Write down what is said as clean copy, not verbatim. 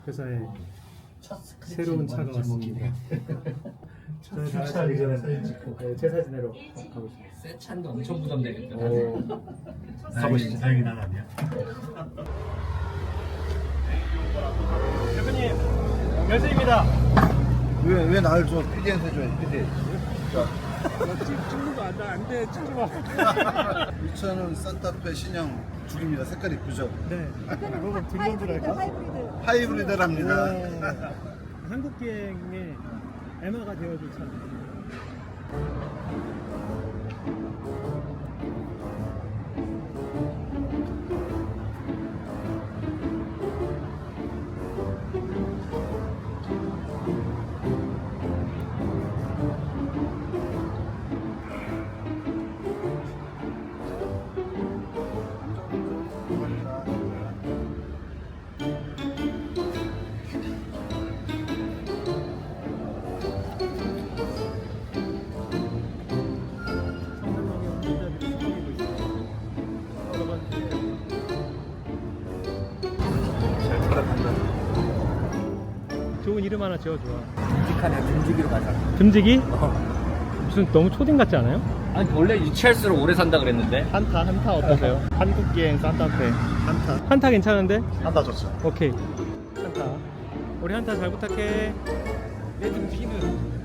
회사에 새로운 차가 왔습니다. 저희 다 주차하기 전에 사진 찍고. 네, 제사 지내러 가고 있습니다. 새 차인데 엄청 부담되겠다. 가보시죠. 다행히 난 아니야. 대표님, 열쇠입니다. 왜 나를 줘? PD한테 줘야지, PD. 찍는 거 안 돼, 찍지 마. 이 차는 산타페 신형 죽입니다. 색깔 이쁘죠? 네. 이거 등용주랄까? 하이브리드랍니다. 한국 기행의 에마가 되어줄 차. 좋은 이름 하나 지어줘요. 듬직하네. 듬직이로 가자. 듬직이? 무슨 너무 초딩 같지 않아요? 아니 원래 유치할수록 오래 산다 그랬는데. 한타 어떠세요? 한국기행 산타페 한타 괜찮은데? 한다 좋죠. 오케이 한타 우리 한타 잘 부탁해. 내 듬직이는